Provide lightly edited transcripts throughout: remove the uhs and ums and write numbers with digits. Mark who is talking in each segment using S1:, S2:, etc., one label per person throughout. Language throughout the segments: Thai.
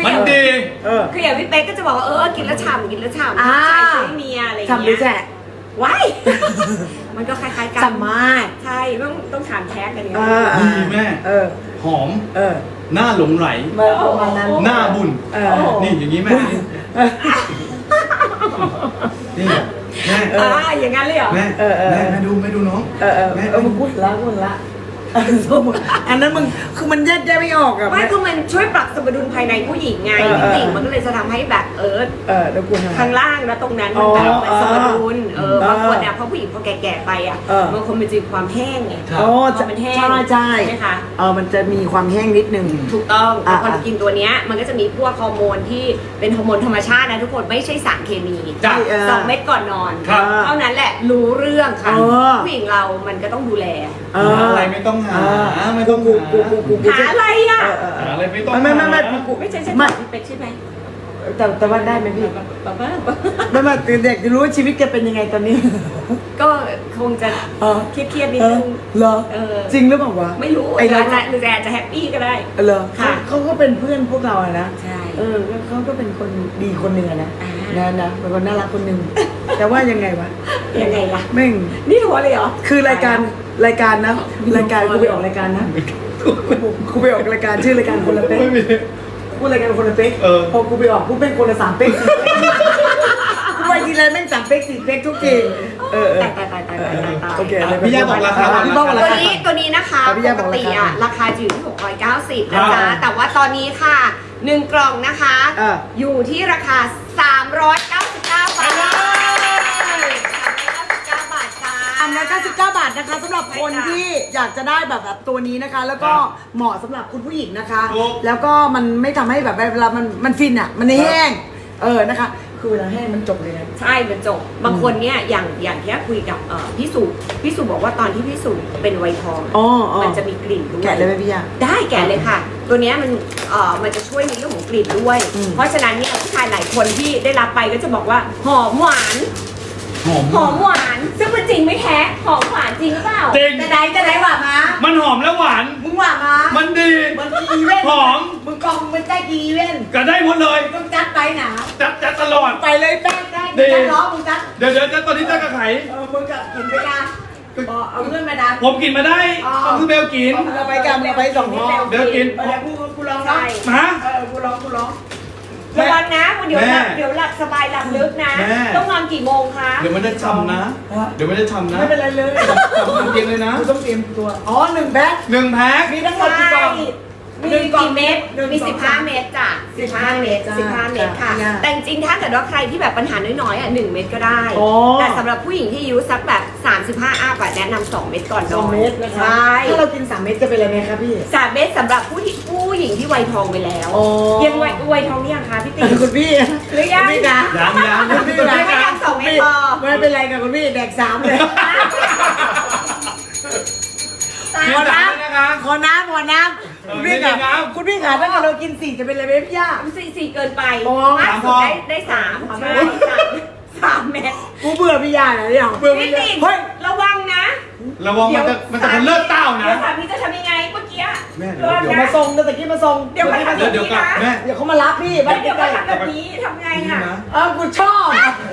S1: มันดี
S2: คืออย่างพี่เป๊กก็จะบอกว่ากินแล้วฉ่ำกินแล้วฉ่ำ
S3: อ่า
S2: ใช่ซื้อให้เมียอะไรอย่าง
S3: ฉ่ำหรือ
S2: เงี้
S3: แฉะ
S2: ยว้ายมันก็คล้ายๆกัน
S3: ฉ่ำมาก
S2: ใช่ต้องถามแท็กกันเนี่ย
S1: ดีแม่ หอม หน้าหลงไหล
S3: ประมาณนั้น
S1: หน้าบุญ นี่อย่างนี้แม่ นี่แม่
S2: อย่างนั้นเลยเหรอ
S1: แม่แม่ดูน้องแม่
S3: มึงพูดละอันนั้นมึงคือมันแยกไม่ออกอะ
S2: ไม่คือมันช่วยปรับสมดุลภายในผู้หญิงไงพี่ติ๋งมันก็เลยจะทำให้แบบ
S3: แล้วกู
S2: ข้างล่างแล้วตรงนั้นมันแบบมันสมดุลบางคนเนี่ยพอผู้หญิงพอแก่ๆไปอ่ะบางคนมันจะมีความแห้งไงมันแห้ง
S3: ใช่
S2: ไหมคะ
S3: มันจะมีความแห้งนิดนึง
S2: ถูกต้องพอกินตัวเนี้ยมันก็จะมีพวกฮอร์โมนที่เป็นฮอร์โมนธรรมชาตินะทุกคนไม่ใช่สารเคมี2 เม็ดก่อนนอนเท่านั้นแหละรู้เรื่องค่ะผู้หญิงเรามันก็ต้องดูแล
S1: อะไรไม่ต้องหาไม่ต้อง
S2: หาอะไรอ่ะ
S1: หาอะไรไม่ต้อง
S2: ไม่ใช่พี่เป็กใช่ไหม
S3: แต่ว่าได้ไหมพี่ไม่เด็กจะรู้ว่าชีวิตแกเป็นยังไงตอนนี้
S2: ก็คงจะเครียดนิดนึง
S3: เหรอจริงหรือเปล่าวะ
S2: ไม่รู้หรือจะแฮปปี้ก็ได้
S3: เหรอเขาก็เป็นเพื่อนพวกเราอะนะ
S2: ใช่
S3: เขาก็เป็นคนดีคนหนึ่งอะนะเป็นคนน่ารักคนหนึ่งแต่ว่ายังไงวะ
S2: ยังไงล่ะ
S3: แม่ง
S2: นี่หัวเลยเหรอ
S3: คือรายการนะรายการกูไปออกรายการนะกูไปออกรายการชื่อรายการคนละเป๊กพูดรายการคนละเป๊กพอกูไปออกกูเป็นคนละ3 เป๊กกูไปทีไรแม่ง3 เป๊ก4 เป๊กทุกที
S2: ตาย
S3: โอเค
S1: พี่ย่าบอกราคา
S3: พี่บอกราคา
S2: ตัวนี้นะคะปกติอ่ะราคาอยู่ที่690นะจ๊ะแต่ว่าตอนนี้ค่ะ1 กล่องนะคะอยู่ที่ราคา399 บาท
S3: 399 บาทนะคะสำหรับคนที่อยากจะได้แบบตัวนี้นะคะ แล้วก็เหมาะสำหรับคุณผู้หญิงนะคะ แล้วก็มันไม่ทำให้แบบเวลามันฟินอ่ะมันแห้งนะคะคือเวลาแห้งมันจบเลยนะ
S2: ใช่มันจบบางคนเนี่ยอย่างที่คุยกับพี่สุบอกว่าตอนที่พี่สุเป็นไวทองมันจะมีกลิ่นด้วย
S3: แกะเลยไหมพี่ยา
S2: ได้แกะเลยค่ะตัวนี้มันจะช่วยในเรื่องของกลิ่นด้วยเพราะฉะนั้นเนี่ยผู้ชายหลายคนที่ได้รับไปก็จะบอกว่าหอมหวานซึ่งมันจริงไม่แท้หอมหวานจริงหรือเปล่า
S1: จริง
S3: จะไหนหวานมา
S1: มันหอมแล้วหวาน
S3: มึงหวานมา
S1: มันดี
S3: มันกีเว้น
S1: หอม
S3: มึงกองมันได้กีเว้น
S1: ก็ได้หมดเลย
S3: ต้องจัดไปหนา
S1: จัดตลอด
S3: ไปเลยแป้งจัดล้อมึงจัด
S1: เดี๋ยวตอนนี้จัดกับไข่
S3: มึงกับกินไปกันเอาเงินมาดัน
S1: ผมกินมาได้ต้องคือเบลกิน
S3: เราไปกันเราไป2 ห่อ
S1: เบลกิน
S3: กูลองนะกูลอง
S2: ระวังนะเดี๋ยวหลับสบายหลับลึกนะต้องนอนกี่โมงคะ
S1: เดี๋ยวมันจะช้ำนะ
S3: ไม่เป็นไรเลย
S1: ช้ำเตียงเลยนะ
S3: ต้องเตรียมตัว1 แพ็ค
S1: มี
S3: ทั้งหมดกี่กล่อง
S2: มีกี่เม็ดมี15 เม็ดจ้ะ15 เม็ดค่ะแต่จริงๆถ้าเกิดว่าใครที่แบบปัญหาน้อยๆ1 เม็ดก็ได้แต่สำหรับผู้หญิงที่อายุสักแบบ35 อัพแนะนำ2 เม็ดก่อนนอน
S3: 2 เม็ดนะคะถ้าเรากิน3 เม็ดจะเป็นอะไรไหมคะพี่
S2: 3 เม็ดสำหรับผู้หญิงที่วัยทองไปแล้วยังวัยทองหรือยังคะพี่ติ๋ง
S3: คุณพี่
S2: หรือยัง
S1: ยัง
S2: คุณพี่ไม่ยัง2 เม็ดพอ
S3: ไม่เป็นไรกับคุณพี่แดก3เลยขอน้ำคุณพี่ขาถ้าเรากิน4จะเป็นอะไรไหมพี่ย่า
S2: 4เกินไปมากสุดได้3ใช่3 เม็ด
S3: กูเบื่อพี่ย่าเลยเนี่ย
S2: เบื่อพี่ติ๋งระวังนะ
S1: มันจะเป็นเลือดเต้านะ
S2: สามีจะทำยังไงเมื่อกี้
S1: แม่
S3: เดี๋ยวมาส่งเดี๋ยวตะกี้มาส่ง
S2: เดี๋ยวเขาทำแบบนี้นะ
S3: เดี๋ยวเขามารับพี่
S2: เดี๋ยวเขาทำแบบนี้ทำไงอ่ะ
S3: กูชอบ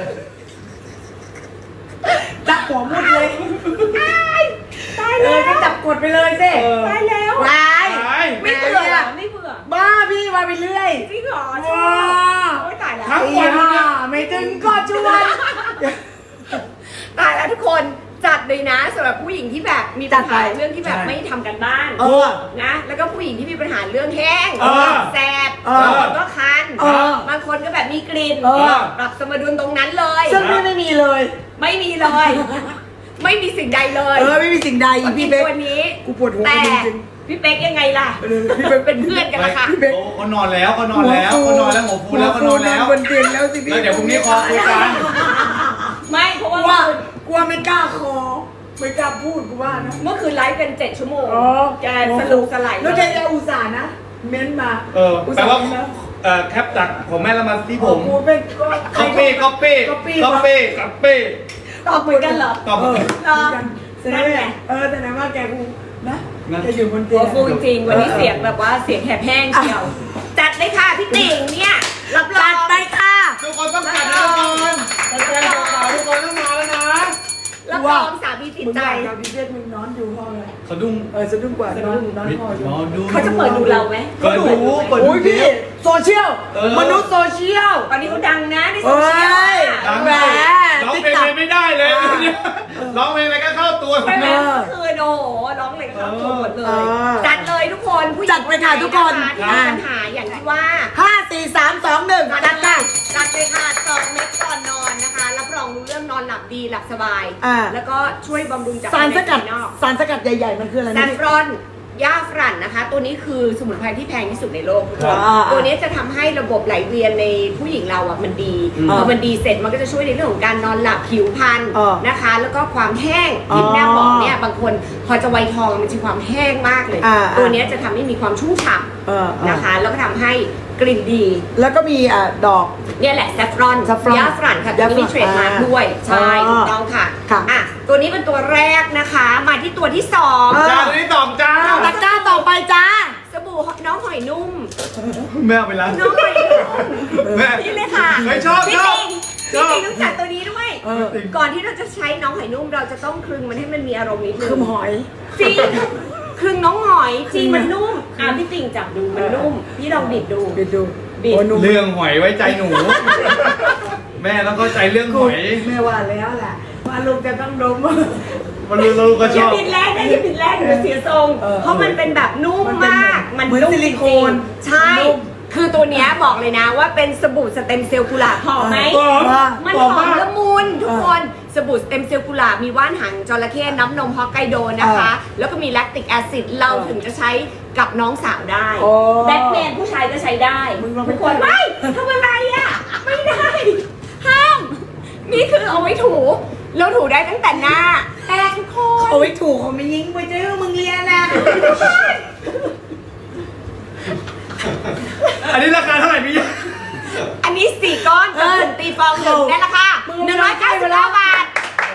S3: จับหัวมุดเลย
S2: ตายแล้ว
S3: ก็จับกดไปเลยสิ
S2: ตายแล้วไม่เบื่อ
S3: บ้าพี่มาไปเรื่อย
S2: จริงเหรอโอ้ยตายแล้ว
S3: ไม่ถึงก็ชวน
S2: ตายแล้วทุกคนจัดเลยนะสำหรับผู้หญิงที่แบบมีปัญหาเรื่องที่แบบไม่ทำกันบ้านนะแล้วก็ผู้หญิงที่มีปัญหาเรื่องแห้งแสบก็คันบางคนก็แบบมีกลิ่นปรับสมดุลตรงนั้นเลย
S3: ซึ่งไม่มีเลย
S2: ไม่มีสิ่งใดเลย
S3: ไม่มีสิ่งใด
S2: พี่เป๊กวันนี้
S3: กูปวดหัวจริง
S2: พี่เป๊กยังไงล่ะพี่เป๊กเป็นเพื่อนกันละค่ะ
S1: เขานอนแล้วหัวฟูแล้วเขานอนแล้ว
S3: บนเตียงแล้วสิพี่
S1: เดี๋ยวพรุ่งนี้คอคุยกัน
S2: ไม่เพราะว่
S3: ากลัวไม่กล้าคอไม่กล้าพูดกูว่านะ
S2: เมื่อคืนไลฟ์เป็น7 ชั่วโมงแกสรุปสลาย
S3: แล้วแกจะอุตส่าห์นะเม้นมา
S1: แปลว่าแคปจากของแม่แล้วมาที่ผม
S3: กูเป็น
S1: ก๊อปปี้
S2: ตอบเหมือนกันเหรอ
S1: ตอบเหมือน
S3: กันแต่ไหนว่าแกกูนะจะอยู่บนเตี
S2: ตั
S3: ยว ง
S2: ฟูจริงๆวันนี้เสียงแบบว่าเสียงแหบแห้งเชียวจัดเลยค่ะพี่ติ่งเนี่ยรับรอ
S3: จั
S2: ง
S3: ดไปค่ะ
S1: ทุกคนต้องจัดนะทุกคนแฟนๆสาวๆทุกคนต้องมาแล้วนะ
S2: รับรองสามีติดใจ
S3: กับพี่เด็กมึงนอนอยู่ห้องเลย
S1: สะดุ้ง
S3: สะดุ้งกว่านอนห้องอยู่
S1: รอดู
S2: เขาจะเปิดดูเราไหม
S1: เปิดดูเปิดดู
S3: โอ้ยพี่โซเชียล
S1: เออ
S3: มนุษย์โซเชียล
S2: ตอนนี้เขาดังนะในโซ
S3: เอ้
S2: เชียล
S3: ย
S1: ดัง
S3: แหม
S1: ร้องเพลงอะไรไม่ได้เลยร้องเพลงอะไรก็เข้าตัว
S2: ไปไหมคืนโอ้โหร้องเลยเข้าตัวหมดเลย จัดเลยทุกคนผู้หญิง
S3: จัดไปค่ะทุกคน
S2: ที่มีปัญหาอย่างที่ว่า
S3: 5 4 3 2 1
S2: จั
S3: จั
S2: ด
S3: ด
S2: เล
S3: ค่ะ
S2: ยจัดเลยค่ะ2 เม็ดก่อนนอนนะคะ รับรองรู้เรื่องนอนหลับดีหลับสบาย แล้วก็ช่วยบำรุงจาก
S3: สารสกัด
S2: ภายในภายนอก
S3: สารสกัดใหญ่ๆมันคืออะไร
S2: แซ
S3: นะ
S2: ฟรอนย่าฝรั่นนะคะ ตัวนี้คือสมุนไพรที่แพงที่สุดในโลกทุกคน
S3: อ่า
S2: ตัวนี้จะทำให้ระบบไหลเวียนในผู้หญิงเราอ่ะมันดีพอมันดีเสร็จมันก็จะช่วยในเรื่องของการนอนหลับผิวพรรณนะคะ แล้วก็ความแห้งที่แม่บอกเนี่ยบางคนพอจะวัยทองมันจะมีความแห้งมากเลย ตัวนี้จะทำให้มีความชุ่มฉ่ำนะคะ แล้วก็ทำให้กลิ่นดี
S3: แล้วก็มีดอก
S2: เนี่ยแหละแซฟรอน
S3: saffron
S2: ย่าฝรั่นค่ะตัวนี้มีเทรดมาร์คด้วยใช่ถูกต้องค่ะ
S3: ค่ะ
S2: อ่ะตัวนี้เป็นตัวแรกนะคะ มาที่ตัวที่สอง
S1: จ้าตัวนี้ตอบจ้า
S3: ตะกร้าต่อไปจ้า
S2: สบู่น้องหอยนุ่ม
S1: แม่เอาไปแล้ว
S2: น้องหอยนุ่ม
S1: แม่
S2: นี่เลยค่ะ
S1: ไม่ชอบ
S2: พี่
S1: ชอบ
S2: ติง
S1: ชอบ
S2: พี่ติงต้องจัดตัวนี้ด้วย ก่อนที่เราจะใช้น้องหอยนุ่มเราจะต้องคลึงมันให้มันมีอารมณ์นิดนึง
S3: คือหอย
S2: จริงคลึงน้องหอยจริงมันนุ่มพี่ติงจับดูมันนุ่มพี่ลองบิดดู
S3: บิดดู
S2: บิด
S3: โอ้หนุ่ม
S1: เรื่องหอยไว้ใจหนู แม่ต้องเข้าใจเรื่องหอย
S3: แม่ว่าแล้วแหละว่าลูกจะต้องดม
S1: มันรู้เราก็ช
S2: อย่า
S1: อบ
S2: บิดแรงนะอย่าบิดแรงเดี๋ยวเสียทรง เพราะมันเป็นแบบนุ่มมาก
S3: มันเป็นเหมือนซิลิโคน
S2: ใช่ คือตัวเนี้ยบอกเลยนะว่าเป็นสบู่สเต็มเซลล์กุหลาบหอมไหม
S1: หอม
S2: มัน
S1: ห
S2: ห
S1: อ
S2: อ
S1: ม
S2: ม
S1: มาก
S2: ละมุนทุกคนสบู่สเต็มเซลล์กุหลาบมีว่านหางจระเข้น้ำนมฮอกไกโดนะคะ แล้วก็มีแลคติกแอซิดเราถึงจะใช้กับน้องสาวได้
S3: โอ้
S2: แบทแมนผู้ชายก็ใช้ได้
S3: มึงลองไป
S2: ทุกคนไม่ทำอะไรอ่ะ ไม่ได้ ห้าม นี่คือเอาไว้ถูเราถูได้ตั้งแต่หน้าแต่ทุกคน
S3: เอาไว้ถูกเขาไม่ยิงไปเจอมึงเรียนนะ
S1: อันนี้ราคาเท่าไหร่พี่
S2: อันนี้4 ก้อนกับถุงตีฟองหนึ่งได้ราคา199 บาท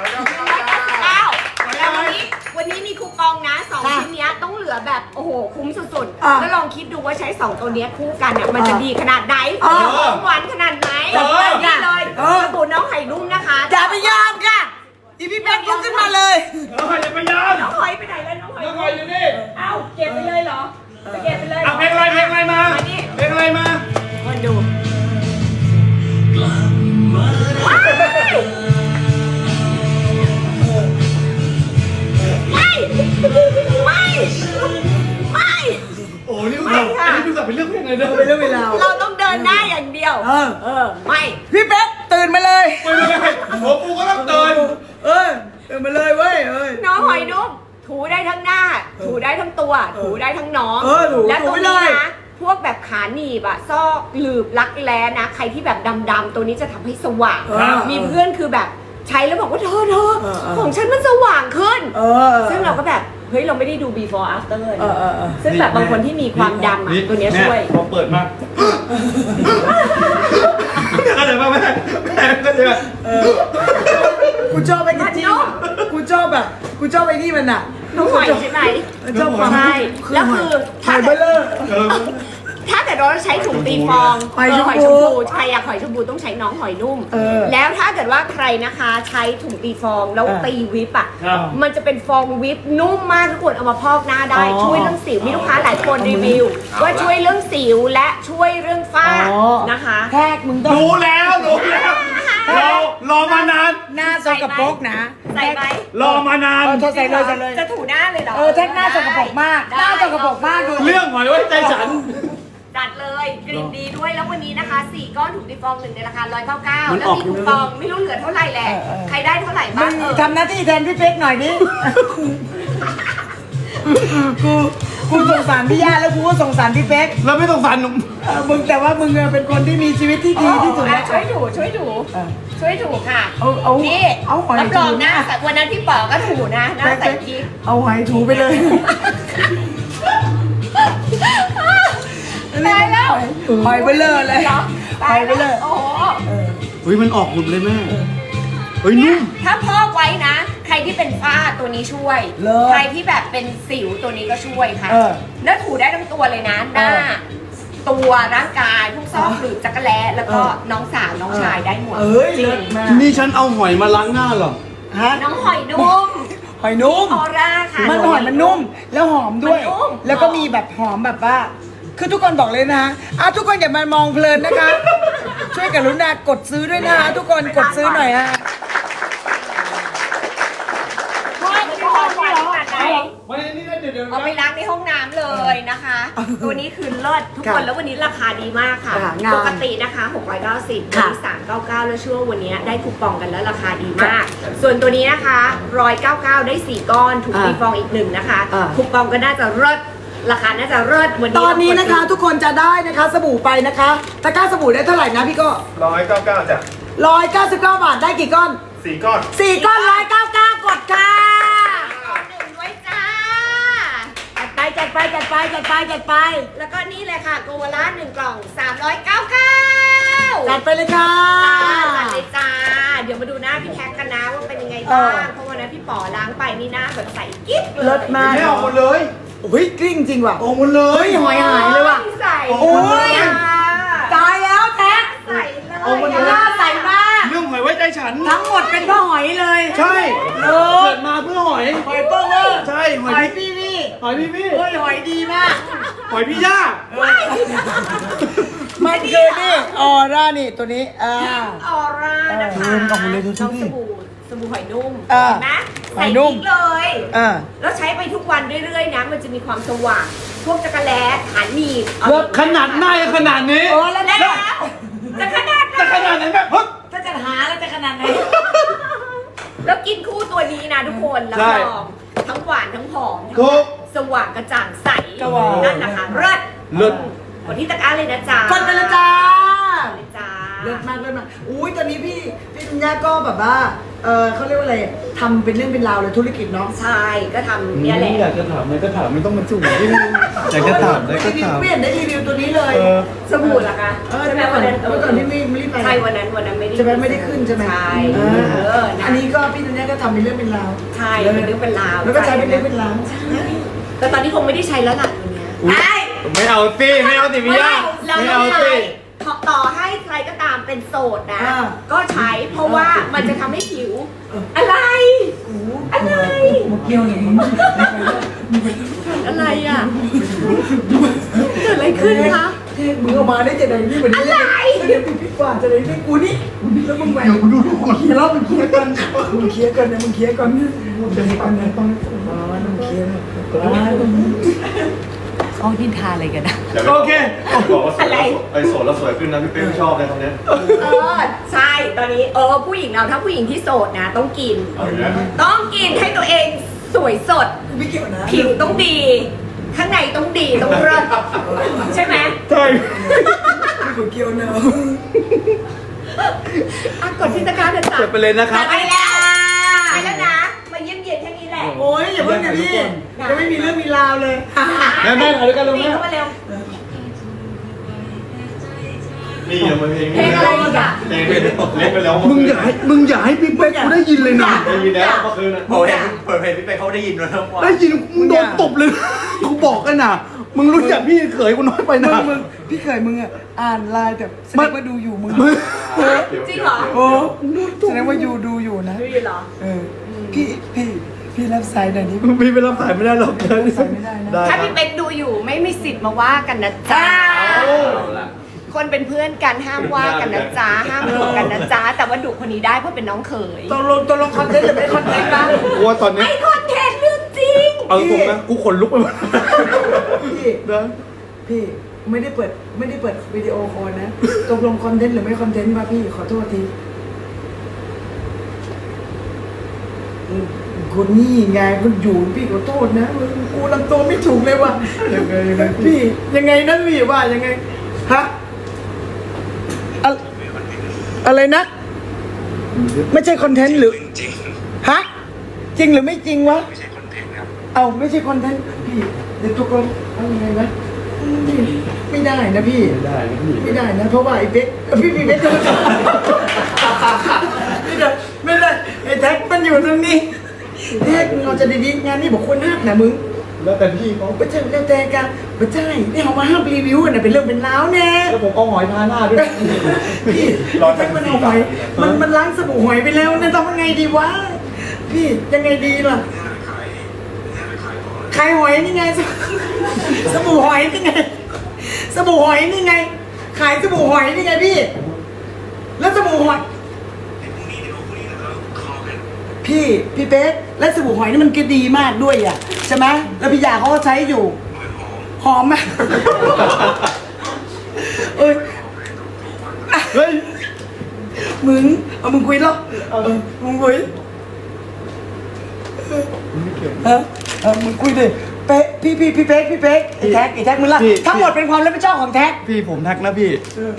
S2: 199แล้ววันนี้มีคูปองนะ2ชิ้นเนี้ยต้องเหลือแบบโอ้โหคุ้มสุดๆแล้วลองคิดดูว่าใช้2ตัวเนี้ยคู่กันเนี่ยมันจะดีขนาดไหนหวานขนาดไหนนี่เลยสบู่น้องไข่นุ่มนะคะ
S3: อย่าไปยอมค่ะอีพี่เป็กลุกขึ้นมาเลย
S1: อย่าไปยอม
S2: น้องหอยไปไหนแล้วน้องหอย
S1: น้องหอยอยู่นี่
S2: เอ้าเก็บไปเลยเหรอไปเก็บไปเลย
S1: เอาเพลงอะไรมาเพลงอะไรมา
S2: มาดูไม่ไม่
S1: โอ้นี่อันนี้ดูสับเป็นเรื่องเพลงเลยนะ
S3: เป็นเรื่องเวลา
S2: เราต้องเดินหน้าอย่างเดียว ไม่
S3: พี่เป็กตื่นมาเลย
S1: ไม่หัวปูก็ต้องเตือน
S3: ตื่นมาเลยเว้ย
S2: น้องหอยนุ่มถูได้ทั้งหน้า ถูได้ทั้งตัว ถูได้ทั้งน้อง และตรงนี้นะพวกแบบขาหนีบอะซอกหลืบรักแร้นะ ใครที่แบบดำๆตัวนี้จะทำให้สว่าง มีเพื่อนคือแบบใช้แล้วบอกว่าเธอของฉันมันสว่างขึ้น ซึ่งเราก็แบบเฮ้ยเราไม่ได้ดู before after เลยซึ่งแบบบางคนที่มีความดำอะตัวเนี้ยช่วย
S1: พอเปิดมาเข้าใจป่ะแม่เข้าใจป่ะ
S3: กูชอบไอ้จริงกูชอบแบบกูชอบไอ้นี่มันอ่ะ
S2: น้องหอยใช่ไหม
S3: ชอบความ
S2: ใช่แล้วคือ
S3: หอยเบลเลอร์
S2: ถ้าเกิดเราใช้ถุงตีฟอง
S3: หอยชมพู
S2: หอยชมพูใครอยากหอยชมพูต้องใช้น้องหอยนุ่ม แล้วถ้าเกิดว่าใครนะคะใช้ถุงตีฟองแล้วตีวิปอ่ะ มันจะเป็นฟองวิปนุ่มมากทุกคนเอามาพอกหน้าได้ ช่วยเรื่องสิวมีลูกค้าหลายคนรีวิว ว่าช่วยเรื่องสิวและช่วยเรื่องฝ้านะคะ
S3: แทกมึงต้อง
S1: รู้แล้วรอมานาน
S3: หน้าสกปรกนะ
S2: ใส่ไหม
S1: รอมานาน
S3: ใส่เลย
S2: จะถูหน้าเลยเหรอ
S3: แทกหน้าสกปรกมากหน้าสกปรกมากดู
S1: เรื่องหอยไว้ใจฉัน
S2: จัดเลยกลิ่นดีด้วยแล้ววันนี้นะคะ4 ก้อนถุงตีฟอง1ในราคา199แล้วมีคูปองไม่รู้เหลือเท่าไหร่แหละใครได้เท่าไหร่
S3: มึ
S2: บ้าง
S3: งทำหน้าที่แทนพี่เป๊กหน่อยดิกูสงสารพี่ย่าแล้วกูก็สงสารพี่เป๊ก
S1: แล้วไม่ต้องฟันหนุ่ม
S3: มึงแต่ว่ามึงเป็นคนที่มีชีวิตที่ดีที่สุดแล้ว
S2: ช่วยถูค่ะ
S3: เอา
S2: นี่
S3: เอาหอย
S2: รับรองนะ
S3: ถู
S2: วันนั้นพี่ป๋อก็ถูนะหน้าใส่กิ๊ก
S3: เอาหอยถูไปเลย
S2: ตายแล้ว
S3: หอยเบลเลอร์เลย
S2: ตายไปเลยโอ้โห
S1: เฮ้ยมันออกหลุดเลยแม่เฮ้ยนุ่ม
S2: ถ้าพอกไว้นะใครที่เป็นฝ้าตัวนี้ช่วย
S3: เลิศ
S2: ใครที่แบบเป็นสิวตัวนี้ก็ช่วยค่ะ
S3: เออ
S2: แล้วถูได้ทั้งตัวเลยนะหน้า ตัวร่างกายพวกซอกหรือจักรแล้แล้วก็น้องสาวน้องชายได้หมด
S3: เอ้ย
S2: จริ
S3: เลิ
S2: ง
S3: ศมาก
S1: นี่ฉันเอาหอยมาล้างหน้าเหรอ
S3: ฮะ
S2: น้องหอยนุ่ม
S3: หอยนุ่ม
S2: ออร่าค่ะ
S3: มันหอยมันนุ่มแล้วหอมด้วย
S2: มันนุ่ม
S3: แล้วก็มีแบบหอมแบบว่า คือทุกคนบอกเลยนะทุกคนอย่ามามองเพลินนะคะ ช่วยกรุณากดซื้อด้วยนะคะทุกคนกดซื้อหน่อยฮะ
S1: วันนี้เดี๋ยว
S2: เอาไปล้างในห้องน้ำเลยนะคะ ตัวนี้คือเลิศทุกคนแล้ววันนี้ราคาดีมากค่ะ
S3: งาน
S2: ปกตินะคะ690วันนี้399แล้วช่วงวันนี้ได้คูปองกันแล้วราคาดีมาก ส่วนตัวนี้นะคะ199ได้4ก้อนถูกฟรีฟองอีก1นะคะคูปองก็น่าจะเลิศราคาน่าจะเลิศวันนี้
S3: ตอนนี้นะคะ ทุกคนจะได้นะคะสบู่ไปนะคะตะกร้าสบู่ได้เท่าไหร่นะพี่ก็
S4: 199จ้ะ
S3: 199 บาทได้กี่ก้อน
S4: 4 ก้อน
S3: 4 ก้อน199กดค่ะ
S2: หนึ่งด้วยจ้า
S3: จัดไปจัดไปจัดไปจัดไป
S2: แล้วก็นี่เลยค่ะโกวาล่า1กล่อง399
S3: จัดไปเลยค่ะ
S2: จัดเลยจ้า เดี๋ยวมาดูหน้าพี่แท็กกันนะว่าเป็นยังไงบ้างเพราะวันนั้นพี่ป๋อล้างไปนี่หน้าแบบใสกิ๊บ
S3: เลิศมาก
S1: ไม่ออกหมดเลย
S3: โอ้ยกลิ้งจริงว่ะ
S1: ออกหมดเลย
S3: เฮ้ยหอยหายเลยว่ะ
S2: ใส
S3: โอ้ย ตายแล้วแท็ก
S2: ใสเลย
S1: ออกหมดเลย
S3: หน้าใสมาก
S1: เรื่องหอยไว้ใจฉัน
S3: ทั้งหมดเป็นพ่อหอยเลย
S1: ใช่
S3: เออ
S1: เกิดมาเพื่อหอย
S3: หอยเปิ้ลเวอร์
S1: ใช่ห
S3: ห
S1: อย
S3: อย
S1: พี่
S3: พี่พี่
S1: หอยพี่
S3: เฮ้ยหอยดีมาก
S1: หอยพี่ย่า
S3: มันคือนี่ออร่านี่ตัวนี้
S2: ออร่านะคะ
S3: ออกมาเลยดูสิ
S2: น้องสบู่หอยนุ่ม
S3: เออ
S2: เห็นไหม
S3: ห
S2: ใส่
S3: อยนุ่
S2: ทิ้
S3: ม
S2: งเลย แล้วใช้ไปทุกวันเรื่อยๆนะ มันจะมีความสว่าง พวกจักรแล้ฐานหนีบ
S1: แล้วขนาดหน้ายังขนาดนี้
S3: โอ้แล้ว
S2: แล้วจะขนาดไหน
S1: จะขนาดไหนแบบฮึบ
S3: ถ้าจะหาแล้วจะขนาดไหน
S2: แล้วกินคู่ตัวนี้นะทุกคนรับ
S1: ใช่
S2: รองทั้งหวานทั้งหอม
S1: ถูก
S2: สว่างกระจ่างใส
S3: กระหว่าง
S2: นั่นนะคะเลิศ
S1: เลิศ
S2: กดที่ตะกร้าเลยนะจ๊ะ
S3: กดไปเลยจ้า
S2: เลยจ้า
S3: เลิศมากเลิศมากอุ้ยตอนนี้พี่ธัญญาก็แบบว่าเขาเรียกว่าอะไรทำเป็นเรื่องเป็นราวเลยธุรกิจเนาะ
S2: ใช่ก็ทำเนี่ยแหละ
S1: อยากจะถามอะไรก็ถามไม่ต้องมาจุ่มที่นี่อยากจะถามอะไรก็
S3: รีวิว
S1: ถาม
S3: ไม่เห็นได้รีวิวตัวนี้เลย
S2: สบู่เหรอคะ
S3: ใช่ไหมวันนั้นเมื่อก่อนที่ไม่รีบไป
S2: ใช่วันนั้นไม่ได้
S3: ใช่ไหมไม่ได้ขึ้นใช่ไหม
S2: ใช่
S3: อั
S2: อั
S3: นนี้ก็พี่ธัญญาก็ทำเป็นเรื่องเป็นราว
S2: ใช่เป็นเรื่องเป็นราว
S3: แล้วก็ใช้เป็นเรื่องเป็นราว
S2: แต่ตอนนี้คงไม่ได้ใช้แล้วล่ะตัวเนี้ย
S1: อุ๊ย ไม่เอาสิไม่เอาสิพี่ย่า
S2: เรา
S1: ไม่
S2: ต้อ
S1: เอา
S2: ง
S1: สิ
S2: ใช้ต่อให้ใครก็ตามเป็นโสดนะ ก็ใช้เพราะว่ามันจะทำให้ผิว อะไร อะไร
S3: มุกเดียวอย่างนี้
S2: อะไรอ่ะเกิดอะไรขึ้นคะ
S3: มึงเอามาได้จะได้นี่เหมือนนี้
S2: อะไร
S3: เดี๋ยวพี่กว่าจะได้นี่กูนี่แล้วมึงแหวกดูทุกคนแล้วมึงเคลียร์กันมึงเคลียร์กันนะมึงเคลียร์กันมึงเคลียร์กันนะต้องมึงเคลียร์นะ
S2: เขาดินทาอะไรกันนะ
S1: โอเค
S4: บอกว่าสวยแล้วไอ้โสดแล้วสวยขึ้นนะพี่เป้ไม่ชอบเลยตรงเนี้ย
S2: ใช่ ตอนนี้ผู้หญิงเราถ้าผู้หญิงที่โสดนะ ต้องกิน
S4: เอาอย่างเงี้ย
S2: ต้องกินให้ตัวเองสวยสด
S3: กูไม่เกี่ยวนะ
S2: ผิวต้องดี ข้างในต้องดีต้องเลิศใช่ไหม
S1: ใช่
S3: กูเกี่ยวนะ
S2: กดที่ตะกร้าเลยจ้ะ
S1: จบไปเลยนะครับ
S2: ไปแล้วไปแล้วนะ มาเยี่ยมเยียนแค่นี้แหละ
S3: โอ้ยอย่าเพิ่งนะพี่ยังไม่มีเรื่องมีราวเลย
S1: แม่ถ่ายด้วยกันลง
S2: นี่
S1: แม่
S2: เข้ามาเร็ว
S4: นี่ยังมาเพลง
S2: เพลงอะไรอีกอ่ะ
S4: เพลงเล่นไปแล้ว
S1: มึงอย่าให้พี่เป๊กกูได้ยินเลยนะ
S4: ได้ยินแล้วเมื่อคืนนะ
S5: โอ้ยเปิดเพลงพี่เป๊กเขาได้ยินแล้วนะว่า
S1: ได้ยินมึงโดนตบเลยกูบอกกันนะมึงรู้จักพี่เขยกูน้อยไปนะ
S3: มึงพี่เคยมึงอ่ะอ่านไลน์แต่แสดงว่าดูอยู่มึง
S2: จริงเหรอ
S3: โอ้แสดงว่าอยู่ดูอยู่นะ
S2: ดูอยู่เหรอ
S3: พี่รับสายหน่อยนี้
S1: พี่ไปรับสายไม่ได้หรอก
S3: สายไม่ได้นะ
S1: ได้
S2: ถ้า
S1: ครั
S2: พี่
S1: บ
S2: เป๊กดูอยู่ไม่มีสิทธิ์มาว่ากันนะจ๊ะ คนเป็นเพื่อนกันห้ามว่ากันนะจ๊ะ ห้ามดุกันนะจ๊ะ แต่ว่าดุคนนี้ได้เพราะเป็นน้องเขย
S3: ตกลงคอนเทนต์หรือไม่คอนเทนต์บ้าง
S1: กูว่าตอนนี้
S2: ไม่คอนเทนต์เรื่องจริง
S1: เอาตรงนะกูขนลุกไปหมด
S3: พี่
S1: นะ
S3: พี่ไม่ได้เปิดวิดีโอคอลนะตกลงคอนเทนต์หรือไม่คอนเทนต์มาพี่ขอโทษทีคนนี่ไงมันอยู่พี่ขอโทษนะกูลำตัวไม่ถูกเลยว่ะ
S1: ยังไง
S3: พี่ยังไงนะพี่ว่ายังไงฮะอะไรนะ ไม่ใช่คอนเทนต์หรือฮะจริงหรือไม่จริงวะไม่ใช่คอนเทนต์ครับเอาไม่ใช่คอนเทนต์พี่เดี๋ยวทุกคนเอายังไงนะไม่ได้นะพี่
S1: ไม่ได้นะพี่
S3: ไม่ได้นะเพราะว่าไอ้เป๊กพี่เป๊กจะไม่ได้ไอ้แท็กมันอยู่ตรงนี้แฮกมึงเอาจะดีๆงานนี่บอกควรฮักนะมึง
S1: แล้วแต่พี่เขา
S3: ไม่ใช่แล้วแต่กันไม่ใช่นี่เอามาห้ามรีวิวน่ะเป็นเรื่องเป็นราวแน่
S1: แล้วผมเอาหอยทาหน้าด้วย
S3: พี่มันเอาหอยมันล้างสบู่หอยไปแล้วเนี่ยทำยังไงดีวะพี่ยังไงดีล่ะขายหอยนี่ไงสบู่หอยนี่ไงสบู่หอยนี่ไงขายสบู่หอยนี่ไงพี่แล้วสบู่หอยพี่เป๊กและสบู่หอยนี่มันก็ดีมากด้วยอ่ะใช่ไหมแล้วพี่ยาเขาก็ใช้อยู่หอมไหมเอ้ย
S1: เฮ้ย
S3: มึงเอามึงคุยแล้วมึงคุยมึงคุยดิเป๊ะพี่เป๊กไอ้แท็กมึงละทั้งหมดเป็นความรับผิดชอบของแท็ก
S1: พี่ผมทักนะพี่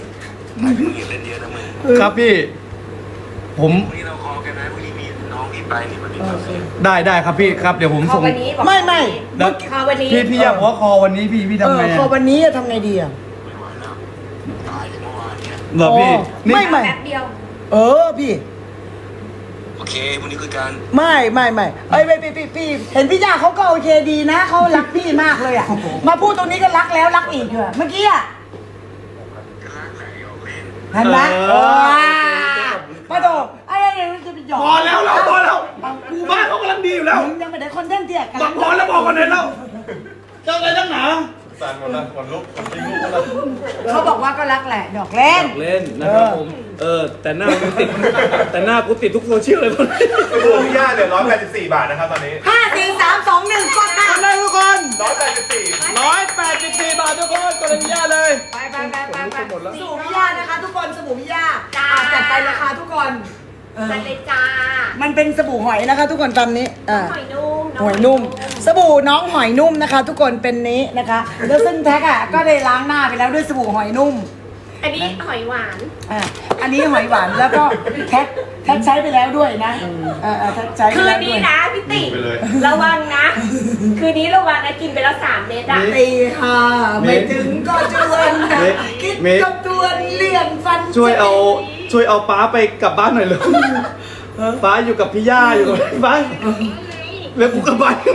S1: ครับพี่ผม
S6: วันนี้เราคอกันนะวันนี้มีน้องที่ไปนี่วันนี้
S1: ได้ครับพี่ครับเดี๋ยวผม
S2: ขอ
S1: ส่ง
S2: วันนี้บอก
S3: ไม่
S2: ขอวันนี้
S1: พี่อยากบอกว่าคอวันนี้พี่ทำไง
S3: พอวันนี้ทำไงดีอ่ะ
S6: ตายจากเมื่อวานเนี่ย
S1: เหรอพี่นี่
S3: ไม่
S2: แป๊บเดียว
S3: พี่
S6: โอเควันนี้คือการ
S3: ไม่เอ้ยพี่เห็นพี่ยาเขาก็โอเคดีนะเขารักพี่มากเลยอ่ะมาพูดตรงนี้ก็รักแล้วรักอีกเหรอเมื่อกี้อ่ะ
S6: รักไหนออกเล่น
S3: เห็นไหมป้าโดไอ้ยังจะไปหยอก
S1: พอแล้วกูบ้านเขากำลังดีอยู่แล้ว
S3: มึงยังไม่ได้คอนเทนต์เตี้ยกัน
S1: บอกพอแล้วบอกกันเลยแล้วเจ้าอะไรตั้งหนา
S4: สั่นหมดละขนลุกขนทิ้งลุกหมดละ
S3: เขาบอกว่าก็รักแหละดอกเล่น
S1: เล่นนะครับผมแต่หน้ากูติดแต่หน้ากูติดทุกโซเชียลเลยคน
S4: ดูพี่ย่าเหลือ184 บาทนะครับตอนนี้
S3: 5 4 3 2 1กดค่ะ
S1: ทำได้ทุกคน
S4: 184
S1: 184 บาททุกคนตัวนี้เลย
S2: ไป
S3: สบู่พิยานะคะทุกคนสบู่พิยาจัดไปราคาทุกคน
S2: จัดเลยจ้า
S3: มันเป็นสบู่หอยนะคะ ทุกคนตามนี้
S2: หอยนุ่ม
S3: หอยนุ่ม สบู่น้องหอยนุ่มนะคะ ทุกคนเป็นนี้นะคะแล้วซึ่งแท็กก็ได้ล้างหน้าไปแล้วด้วยสบู่หอยนุ่ม
S2: อันนี้หอยหวาน
S3: อันนี้หอยหวานแล้วก็แท็กใช้ไปแล้วด้วยนะแท็กใช้ไป
S2: คืน
S3: แล้วด้
S2: นี้
S3: วย
S2: นะพี่ติระวังนะ คืนนี้ระวังนะกินไปแล้ว3 เม็ดอ่ะ
S3: ตีห้าไม่ถึงก็จวนนะคิดกับจวนเลี่ยงฟัน
S1: ช่วยเอาป้าไปกลับบ้านหน่อยเลยป้าอยู่กับพี่ย่าอยู่กับป้าแล้วกูกลับบ้าน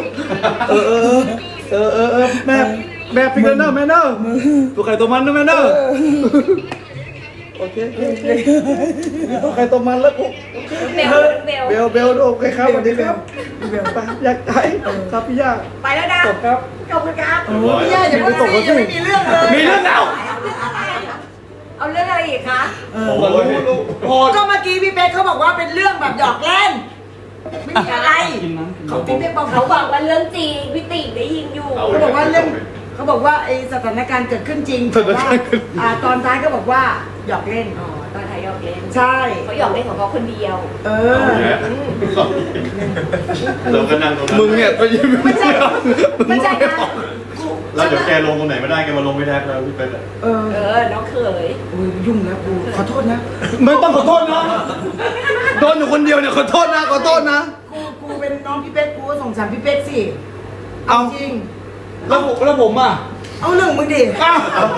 S1: แม่พิกเนอร์แม่เนอร์ตัวใครตัวมันนะแม่เนอร์โอเคตัวใครตัวมันแล้วกู
S2: เบล
S1: โอเคครับสวัสดีครับไปอยากได้ครับพี่ย่า
S2: ไปแล้วนะ
S1: จบครับ
S2: ขอบคุณครับ
S3: พี่ย่าอย่าเพิ่งสิยังไม่มีเรื่องเลย
S1: มีเรื่องแล้ว
S2: เอาเรื่องอะไรอีกคะ
S4: โอ้ย
S3: ก็เมื่อกี้พี่เป๊กเขาบอกว่าเป็นเรื่องแบบหยอกเล่นไม่มีอะไรเขาพี่เป๊กบอก
S2: เขาบอกว่าเรื่องจริงพี่ติได้ยินอยู่
S3: เขาบอกว่าเรื่องเขาบอกว่าไอ้สถานการณ์เกิดขึ้นจริงแต่ว่าตอนท้ายก็บอกว่าหยอกเล่น
S2: อ๋อตอนไทยหยอกเล่น
S3: ใช่
S2: เขาหยอกเล่นของเขาคนเดียว
S4: เราก็นั่งตรงนั้น
S1: มึงเนี่ยก็ยิ้ม
S3: ไม่ใช่นะ
S4: แล้วเดี๋ยวแกลงตรงไหนไม่ได้แกมาลงไม่ได้แล้วพี่เป็น
S2: น้องเขย
S3: ยุ่งแล้วกูขอโทษนะ
S1: ไม่ต้องขอโทษนะโดนอยู่คนเดียวเนี่ยขอโทษนะ
S3: กูเป็นน้องพี่เป๊กกูก็สงสารพี่เป๊กสิ
S1: เอา
S3: จริง
S1: แล้วผมอ่ะ
S3: เอาเรื่องมึงดิ
S1: อ้าว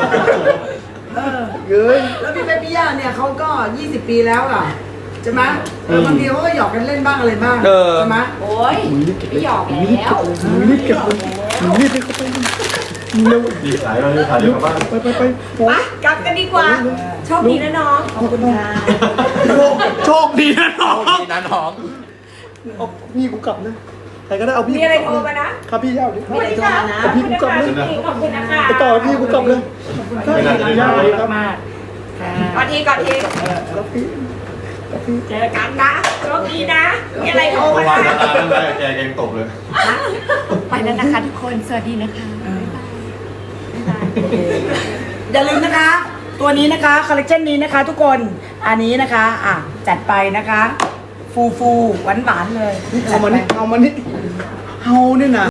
S1: เฮ้ย
S3: แล้วพี่เป๊กพี่ย่าเนี่ยเขาก็20 ปีแล้วอ่ะใช่ไหมบางทีเขาก็หยอกกันเล่นบ้างอะไรบ้างใช่ไหม
S2: โอ้ยไม่หยอกแล้ว
S1: รีบเก็บรีบไปเข้าไปเร็ว
S4: ดีขายเราเลยขายเดี๋ยวกลับบ้าน
S1: ไป
S2: ไปกลับกันดีกว่าโชคดีนะน้องขอบคุณค่ะ
S1: โชคดีนะน้อง
S5: นี่นะน้อง
S1: เอาพี่กูกลับนะใครก็ได้เอาพี่
S2: มีอะไรโทรมานะครับ
S1: พี่ย่าดิ
S2: สวัสดีค่ะขอบคุณนะคะขอบคุณนะคะ
S1: ไปต่อพี่กูกลับเลยย่าเลยครับ
S2: ก่อนทีเจอกันนะโชคดีนะมีอะไรโทร
S4: เพ
S2: มา
S4: ราะว่า
S2: นะ
S4: ตาตั้งแต่แกเองตกเลย
S2: ไปแล้วนะคะทุกคนสวัสดีนะคะ
S3: อย่าลืมนะคะ ตัวนี้นะคะคอลเลคชันนี้นะคะ ทุกคนอันนี้นะคะจัดไปนะคะฟูหวานเลย
S1: เอามานี่เอาเนี่ยนะ